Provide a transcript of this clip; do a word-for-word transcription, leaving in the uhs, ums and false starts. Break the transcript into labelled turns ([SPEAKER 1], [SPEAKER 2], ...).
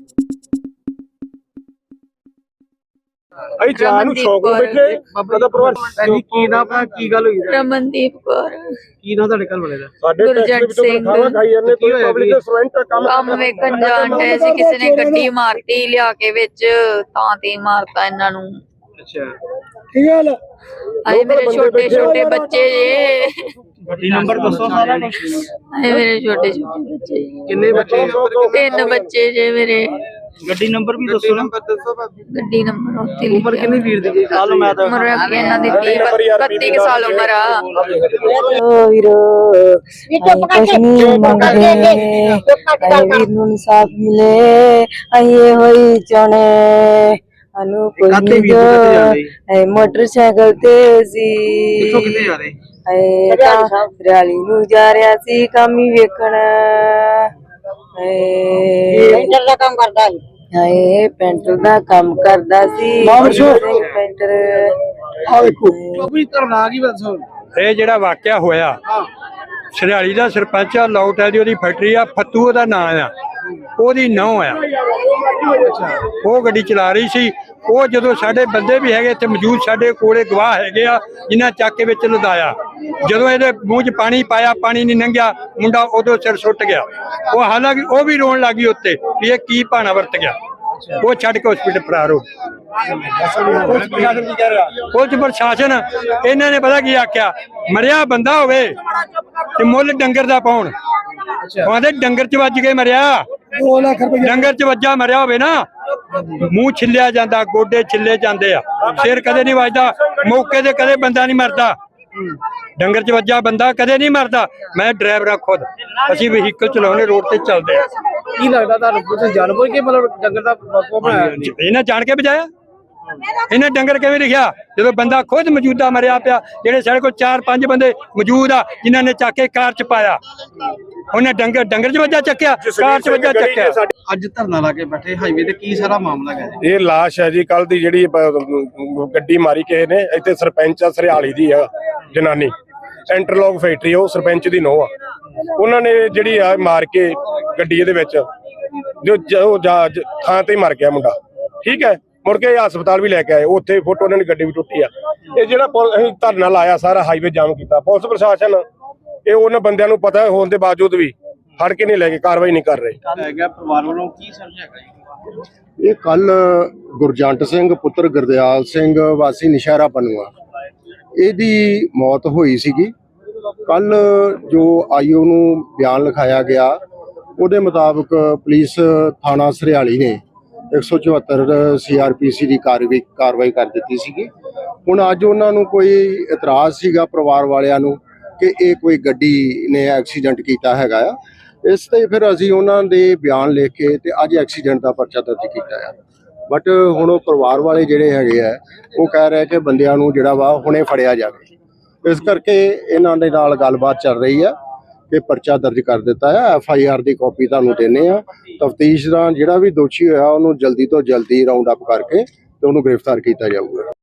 [SPEAKER 1] ਅਸੀਂ ਜਾਨ ਨੂੰ ਸ਼ੌਕ ਨੂੰ ਬੈਠੇ ਬਾਬਾ ਪਰਿਵਾਰ
[SPEAKER 2] ਭੈਣੀ ਕੀ ਨਾ ਆਪਣਾ ਕੀ ਗੱਲ ਹੋਈ
[SPEAKER 3] ਰਮਨਦੀਪ ਕੌਰ।
[SPEAKER 2] ਕੀ ਨਾ ਤੁਹਾਡੇ ਘਰ ਵਾਲੇ ਦਾ?
[SPEAKER 1] ਸਾਡੇ
[SPEAKER 3] ਗੁਰਜੰਟ ਸਿੰਘ
[SPEAKER 1] ਖਾਈ ਜਾਂਦੇ ਕੋਈ ਪਬਲਿਕ ਦੇ ਸਰਵੈਂਟ ਕੰਮ
[SPEAKER 3] ਕੰਮ ਵੇਖਣ ਜਾਣ ਡਏ ਸੀ, ਕਿਸੇ ਨੇ ਗੱਡੀ ਮਾਰਤੀ ਲਿਆ ਕੇ ਵਿੱਚ, ਤਾਂ ਤੇ ਮਾਰਤਾ ਇਹਨਾਂ ਨੂੰ।
[SPEAKER 2] ਅੱਛਾ
[SPEAKER 1] ਕੀ ਗੱਲ
[SPEAKER 3] ਆਏ ਮੇਰੇ ਛੋਟੇ ਛੋਟੇ ਬੱਚੇ ਜੇ,
[SPEAKER 2] ਗੱਡੀ ਨੰਬਰ ਦੱਸੋ ਸਾਰਾ ਕੁਝ।
[SPEAKER 3] ਆਏ ਮੇਰੇ ਛੋਟੇ ਛੋਟੇ ਬੱਚੇ ਜੇ।
[SPEAKER 2] ਕਿੰਨੇ ਬੱਚੇ?
[SPEAKER 3] ਤਿੰਨ ਬੱਚੇ ਜੇ ਮੇਰੇ।
[SPEAKER 2] ਗੱਡੀ ਨੰਬਰ ਵੀ ਦੱਸੋ ਨਾ।
[SPEAKER 3] ਗੱਡੀ ਨੰਬਰ ਉੱਤੇ
[SPEAKER 2] ਉਮਰ ਕਿੰਨੀ ਵੀਰ ਦੀ? ਸਾਲ ਮੈਂ ਤਾਂ
[SPEAKER 3] ਉਮਰ ਇਹਨਾਂ ਦੀ ਇਕੱਤੀ ਸਾਲ ਉਮਰ ਆ।
[SPEAKER 4] ਓ ਵੀਰੋ ਕੁਛ ਨਹੀਂ ਮੰਗਦੇ, ਆਏ ਵੀਰ ਨੂੰ ਇਨਸਾਫ ਮਿਲੇ, ਆਏ ਹੋਈ ਚਾਹਣੇ ਅਨੂ ਕੋਈ ਨਹੀਂ ਜੋ ਐ ਮੋਟਰਸਾਈਕਲ ਤੇ ਸੀ।
[SPEAKER 2] ਕਿੱਥੋਂ ਕਿੱਥੇ ਜਾ ਰਹੇ?
[SPEAKER 4] ਐ ਤਾਂ ਰਿਆਲੀ ਨੂੰ ਜਾ ਰਿਹਾ ਸੀ ਕੰਮ ਹੀ ਵੇਖਣ। ਪੈਂਟਰ ਦਾ ਕੰਮ ਕਰਦਾ ਸੀ। ਹਾਏ ਪੈਂਟਰ ਦਾ ਕੰਮ ਕਰਦਾ ਸੀ ਪੈਂਟਰ।
[SPEAKER 1] ਆ ਵੇਖੋ
[SPEAKER 2] ਬਾਬੂ ਧਰਨਾ ਕੀ ਦੱਸੋ?
[SPEAKER 5] ਇਹ ਜਿਹੜਾ ਵਾਕਿਆ ਹੋਇਆ, ਸਰਿਆਲੀ ਦਾ ਸਰਪੰਚ ਆ, ਲੌਟ ਹੈ ਦੀ ਉਹਦੀ ਫੈਕਟਰੀ ਆ, ਫੱਤੂ ਉਹਦਾ ਨਾਂ ਆ, ਉਹਦੀ ਨਹੁੰ ਆ। ਉਹ ਗੱਡੀ ਚਲਾ ਰਹੀ ਸੀ। ਉਹ ਜਦੋਂ ਸਾਡੇ ਬੰਦੇ ਵੀ ਹੈਗੇ ਇੱਥੇ ਮੌਜੂਦ, ਸਾਡੇ ਕੋਲੇ ਗਵਾਹ ਹੈਗੇ ਆ ਜਿਨ੍ਹਾਂ ਚੱਕ ਕੇ ਵਿੱਚ ਲਦਾਇਆ। ਜਦੋਂ ਇਹਦੇ ਮੂੰਹ 'ਚ ਪਾਣੀ ਪਾਇਆ, ਪਾਣੀ ਨਹੀਂ ਲੰਘਿਆ, ਮੁੰਡਾ ਉਦੋਂ ਸਿਰ ਸੁੱਟ ਗਿਆ। ਉਹ ਹਾਲਾਂਕਿ ਉਹ ਵੀ ਰੋਣ ਲੱਗੀ ਉੱਤੇ ਵੀ ਇਹ ਕੀ ਭਾਣਾ ਵਰਤ ਗਿਆ। ਉਹ ਛੱਡ ਕੇ ਹਸਪੀਟਲ ਫਰਾਰ ਹੋ ਪੁਲਿਸ ਪ੍ਰਸ਼ਾਸਨ ਇਹਨਾਂ ਨੇ ਪਤਾ ਕੀ ਆਖਿਆ, ਮਰਿਆ ਬੰਦਾ ਹੋਵੇ ਤੇ ਮੁੱਲ ਡੰਗਰ ਦਾ ਪਾਉਣ। ਕਹਿੰਦੇ ਡੰਗਰ 'ਚ ਵੱਜ ਕੇ ਮਰਿਆ,
[SPEAKER 1] ਦੋ ਲੱਖ ਰੁਪਏ
[SPEAKER 5] ਡੰਗਰ 'ਚ ਵੱਜਾ ਮਰਿਆ ਹੋਵੇ ਨਾ, ਮੂੰਹ ਛਿੱਲਿਆ ਜਾਂਦਾ, ਗੋਡੇ ਛਿੱਲੇ ਜਾਂਦੇ ਆ, ਸਿਰ ਕਦੇ ਨਹੀਂ ਵੱਜਦਾ, ਮੌਕੇ ਤੇ ਕਦੇ ਬੰਦਾ ਨਹੀਂ ਮਰਦਾ। ਡੰਗਰ 'ਚ ਵੱਜਾ ਬੰਦਾ ਕਦੇ ਨਹੀਂ ਮਰਦਾ। ਮੈਂ ਡਰਾਈਵਰ ਆ ਖੁਦ, ਅਸੀਂ ਵਹੀਕਲ ਚਲਾਉਣੇ, ਰੋਡ ਤੇ ਚੱਲਦੇ ਆ।
[SPEAKER 2] ਕੀ ਲੱਗਦਾ ਤੁਹਾਨੂੰ? ਤੁਸੀਂ ਜਾਣਬੁੱਝ ਕੇ ਮਤਲਬ ਡੰਗਰ ਦਾ ਵਾਕੋ ਬਣਾਇਆ?
[SPEAKER 5] ਇਹਨਾਂ ਜਾਣ ਕੇ ਬਜਾਇਆ। ਇਹਨੇ ਡੰਗਰ ਕਿਵੇਂ ਲਿਖਿਆ ਜਦੋਂ ਬੰਦਾ ਖੁਦ ਮੌਜੂਦਾ ਮਰਿਆ ਪਿਆ? ਜਿਹੜੇ ਸਾਡੇ ਕੋਲ ਚਾਰ ਪੰਜ ਬੰਦੇ ਮੌਜੂਦ ਆ ਜਿਨ੍ਹਾਂ ਨੇ ਚੱਕ ਕੇ ਕਾਰ 'ਚ ਪਾਇਆ, ਉਹਨੇ ਡੰਗਰ ਡੰਗਰ 'ਚ ਵੱਜਾ ਚੱਕਿਆ, ਕਾਰ 'ਚ ਵੱਜਾ ਚੱਕਿਆ।
[SPEAKER 2] ਅੱਜ ਧਰਨਾ ਲਾ ਕੇ ਬੈਠੇ ਹਾਈਵੇ ਤੇ, ਕੀ ਸਾਰਾ ਮਾਮਲਾ ਹੈ?
[SPEAKER 1] ਇਹ ਲਾਸ਼ ਹੈ ਜੀ ਕੱਲ ਦੀ, ਜਿਹੜੀ ਗੱਡੀ ਮਾਰੀ ਕਿਸੇ ਨੇ ਇੱਥੇ। ਸਰਪੰਚ ਆ ਸਰਿਆਲੀ ਦੀ ਆ ਜਨਾਨੀ, ਇੰਟਰਲੌਕ ਫੈਕਟਰੀ, ਉਹ ਸਰਪੰਚ ਦੀ ਨੂੰਹ ਆ। ਉਹਨਾਂ ਨੇ ਜਿਹੜੀ ਆ ਮਾਰ ਕੇ ਗੱਡੀ ਇਹਦੇ ਵਿੱਚ, ਜੋ ਥਾਂ ਤੇ ਮਰ ਗਿਆ ਮੁੰਡਾ, ਠੀਕ ਹੈ। ਮੁੜ ਕੇ ਹਸਪਤਾਲ ਵੀ ਲੈ ਕੇ ਆਏ, ਉੱਥੇ ਫੋਟੋ ਉਹਨਾਂ ਦੀ ਗੱਡੀ ਵੀ ਟੁੱਟੀ ਆ। ਇਹ ਜਿਹੜਾ ਅਸੀਂ ਧਰਨਾ ਲਾਇਆ, ਸਾਰਾ ਹਾਈਵੇ ਜਾਮ ਕੀਤਾ, ਪੁਲਿਸ ਪ੍ਰਸ਼ਾਸਨ ਇਹ ਉਹਨਾਂ ਬੰਦਿਆਂ ਨੂੰ ਪਤਾ ਹੋਣ ਦੇ ਬਾਵਜੂਦ ਵੀ ਫੜ ਕੇ ਨਹੀਂ ਲੈ ਕੇ ਕਾਰਵਾਈ ਨਹੀਂ ਕਰ ਰਹੇ।
[SPEAKER 2] ਪਰਿਵਾਰ ਵੱਲੋਂ ਕੀ ਸਮਝਿਆ?
[SPEAKER 6] ਇਹ ਕੱਲ ਗੁਰਜੰਟ ਸਿੰਘ ਪੁੱਤਰ ਗੁਰਦਿਆਲ ਸਿੰਘ ਵਾਸੀ ਨਸ਼ਹਿਰਾ ਪਨੂਆ, ਇਹਦੀ ਮੌਤ ਹੋਈ ਸੀਗੀ। ਕੱਲ ਜੋ ਆਈਓ ਨੂੰ ਬਿਆਨ ਲਿਖਾਇਆ ਗਿਆ, ਉਹਦੇ ਮੁਤਾਬਕ ਪੁਲਿਸ ਥਾਣਾ ਸਰਿਆਲੀ ਨੇ ਇੱਕ ਸੌ ਚੁਹੱਤਰ ਸੀ ਆਰ ਪੀ ਸੀ ਦੀ ਕਾਰਵਾਈ ਕਾਰਵਾਈ ਕਰ ਦਿੱਤੀ ਸੀਗੀ। ਹੁਣ ਅੱਜ ਉਹਨਾਂ ਨੂੰ ਕੋਈ ਇਤਰਾਜ਼ ਸੀਗਾ ਪਰਿਵਾਰ ਵਾਲਿਆਂ ਨੂੰ ਕਿ ਇਹ ਕੋਈ ਗੱਡੀ ਨੇ ਐਕਸੀਡੈਂਟ ਕੀਤਾ ਹੈਗਾ ਆ, ਇਸ ਤੇ ਫਿਰ ਅਸੀਂ ਉਹਨਾਂ ਦੇ ਬਿਆਨ ਲਿਖ ਕੇ ਤੇ ਅੱਜ ਐਕਸੀਡੈਂਟ ਦਾ ਪਰਚਾ ਦਰਜ ਕੀਤਾ ਆ। ਬਟ ਹੁਣ ਉਹ ਪਰਿਵਾਰ ਵਾਲੇ ਜਿਹੜੇ ਹੈਗੇ ਆ, ਉਹ ਕਹਿ ਰਹੇ ਕਿ ਬੰਦਿਆਂ ਨੂੰ ਜਿਹੜਾ ਵਾ ਹੁਣੇ ਫੜਿਆ ਜਾਵੇ। ਇਸ ਕਰਕੇ ਇਹਨਾਂ ਦੇ ਨਾਲ ਗੱਲਬਾਤ ਚੱਲ ਰਹੀ ਆ ਕਿ ਪਰਚਾ ਦਰਜ ਕਰ ਦਿੱਤਾ ਹੈ। ਐਫ ਆਈ ਆਰ ਦੀ ਕਾਪੀ ਤੁਹਾਨੂੰ ਦਿੰਦੇ ਆ। ਤਫਤੀਸ਼ ਦਾ ਜਿਹੜਾ ਵੀ ਦੋਸ਼ੀ ਹੋਇਆ ਉਹਨੂੰ ਜਲਦੀ ਤੋਂ ਜਲਦੀ ਰਾਉਂਡ ਅਪ ਕਰਕੇ ਤੇ ਉਹਨੂੰ ਗ੍ਰਿਫਤਾਰ ਕੀਤਾ ਜਾਊਗਾ।